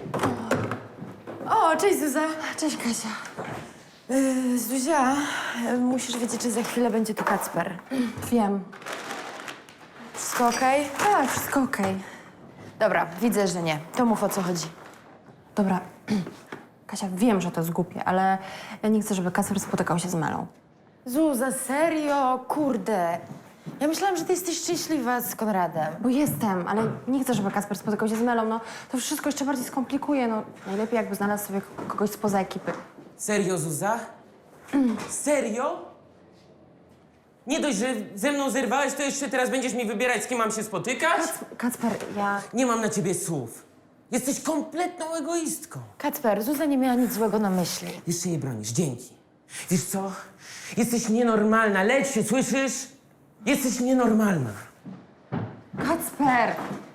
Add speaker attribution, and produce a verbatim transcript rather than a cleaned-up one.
Speaker 1: O, cześć Zuza.
Speaker 2: Cześć, Kasia.
Speaker 1: Yy, Zuzia, yy, musisz wiedzieć, że za chwilę będzie tu Kacper.
Speaker 2: Wiem.
Speaker 1: Wszystko okej?
Speaker 2: Tak, wszystko okej.
Speaker 1: Dobra, widzę, że nie. To mów, o co chodzi.
Speaker 2: Dobra. Kasia, wiem, że to jest głupie, ale ja nie chcę, żeby Kacper spotykał się z Melą.
Speaker 1: Zuza, serio? Kurde. Ja myślałam, że ty jesteś szczęśliwa z Konradem.
Speaker 2: Bo jestem, ale nie chcę, żeby Kacper spotykał się z Melą. No, to wszystko jeszcze bardziej skomplikuje. No, najlepiej jakby znalazł sobie kogoś spoza ekipy.
Speaker 3: Serio, Zuza? Serio? Nie dość, że ze mną zerwałeś, to jeszcze teraz będziesz mi wybierać, z kim mam się spotykać?
Speaker 2: Kac- Kacper, ja...
Speaker 3: Nie mam na ciebie słów. Jesteś kompletną egoistką.
Speaker 1: Kacper, Zuza nie miała nic złego na myśli.
Speaker 3: Jeszcze jej bronisz, dzięki. Wiesz co? Jesteś nienormalna, leć się, słyszysz? Jesteś nienormalna.
Speaker 2: Kacper!